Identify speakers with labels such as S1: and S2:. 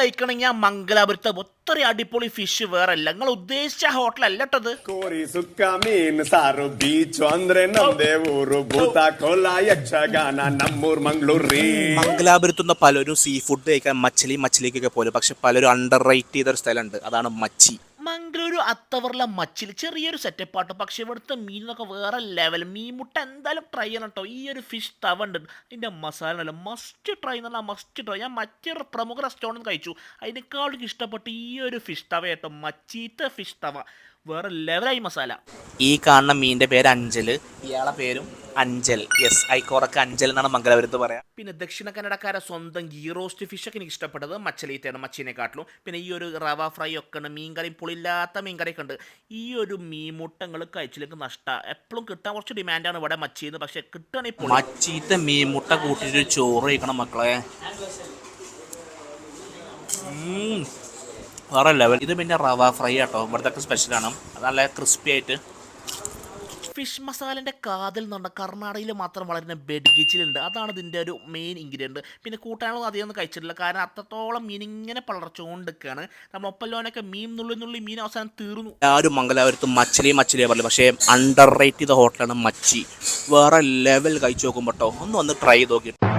S1: കഴിക്കണമെങ്കിൽ ആ മംഗലാപുരത്തെ ഒത്തിരി അടിപൊളി ഫിഷ് വേറെ അല്ല. നിങ്ങൾ ഉദ്ദേശിച്ച ഹോട്ടലല്ല കേട്ടത്.
S2: ಕೋರಿ ಸುಕ್ಕ ಮೀನ್ ಸಾರು ಬೀಚು ಅಂದ್ರೆ ನಮ್ದೇ ಊರು ಭೂತ ಕೋಲ ಯಕ್ಷಗಾನ ನಮ್ಮೂರ್ ಮಂಗ್ಳೂರ್ರಿ.
S3: മംഗലാപുരത്തുനിന്ന് പലരും സീ ഫുഡ് കഴിക്കാൻ മച്ചിലേക്കൊക്കെ പോലും, പക്ഷെ പലരും അണ്ടർ റേറ്റ് ചെയ്തൊരു സ്ഥലമുണ്ട്, അതാണ് മച്ചി.
S1: മംഗളൂരു അത്തവറിലെ മച്ചിൽ ചെറിയൊരു സെറ്റപ്പാട്ടോ, പക്ഷെ ഇവിടുത്തെ മീനൊക്കെ വേറെ ലെവൽ. മീൻ മുട്ട എന്തായാലും ട്രൈ ചെയ്യണം കേട്ടോ. ഈ ഒരു ഫിഷ് തവ ഉണ്ട്, അതിൻ്റെ മസാല അല്ല മസ്റ്റ് ട്രൈ എന്ന് പറഞ്ഞാൽ മസ്റ്റ് ട്രൈ. ഞാൻ മറ്റൊരു പ്രമുഖ റെസ്റ്റോറൻറ്റ് കഴിച്ചു, അതിനേക്കാളും ഇഷ്ടപ്പെട്ട് ഈ ഒരു ഫിഷ് തവ കേട്ടോ. മച്ചീത്തെ ഫിഷ് തവ വേറെ ലെവലായി മസാല.
S3: ഈ കാണുന്ന മീനിന്റെ പേര് അഞ്ചല്, ഇയാളെ പേരും അഞ്ചൽ. യെസ്, ഐക്കോറൊക്കെ അഞ്ചൽ എന്നാണ് മംഗലാപുരത്ത് പറയാം.
S1: പിന്നെ ദക്ഷിണ കന്നഡക്കാരെ സ്വന്തം ഗീ റോസ്റ്റ് ഫിഷൊക്കെ എനിക്ക് ഇഷ്ടപ്പെട്ടത് മച്ചലീറ്റയാണ്, മച്ചീനെക്കാട്ടിലും. പിന്നെ ഈ ഒരു റവ ഫ്രൈ ഒക്കെ ഉണ്ട്, മീൻകറിയും പുളിയില്ലാത്ത മീൻകറിയൊക്കെ ഉണ്ട്. ഈ ഒരു മീൻമുട്ടങ്ങൾ കഴിച്ചിലേക്ക് നഷ്ടമാണ്. എപ്പോഴും കിട്ടാൻ കുറച്ച് ഡിമാൻഡാണ് ഇവിടെ മച്ചിന്ന്, പക്ഷെ കിട്ടുകയാണെങ്കിൽ
S3: മച്ചീത്തെ മീൻമുട്ട കൂട്ടിയിട്ട് ചോറ് കഴിക്കണം മക്കളെ, വേറെ ലെവൽ. ഇത് പിന്നെ റവ ഫ്രൈ ആട്ടോ, ഇവിടുത്തെ സ്പെഷ്യലാണ്. അത് നല്ല ക്രിസ്പി ആയിട്ട്.
S1: ഫിഷ് മസാലൻ്റെ കാതിൽ എന്ന് പറഞ്ഞാൽ കർണാടകയിൽ മാത്രം വളരുന്ന ബെഡ്ഗിച്ചിലുണ്ട്, അതാണ് ഇതിൻ്റെ ഒരു മെയിൻ ഇൻഗ്രീഡിയൻറ്റ്. പിന്നെ കൂട്ടാനൊന്നും അധികം ഒന്നും കഴിച്ചിട്ടില്ല, കാരണം അത്രത്തോളം മീൻ ഇങ്ങനെ പളർച്ചുകൊണ്ടിരിക്കുകയാണ്. നമ്മൾ ഒപ്പല്ലോനൊക്കെ മീൻ നുള്ളി മീൻ അവസാനം തീർന്നു.
S3: എല്ലാവരും മംഗലാപുരത്ത് മച്ചിലേ പറഞ്ഞു, പക്ഷേ അണ്ടർ റേറ്റ് ചെയ്ത ഹോട്ടലാണ് മച്ചി. വേറെ ലെവൽ കഴിച്ചു നോക്കുമ്പോട്ടോ, ഒന്ന് ട്രൈ ചെയ്ത് നോക്കി.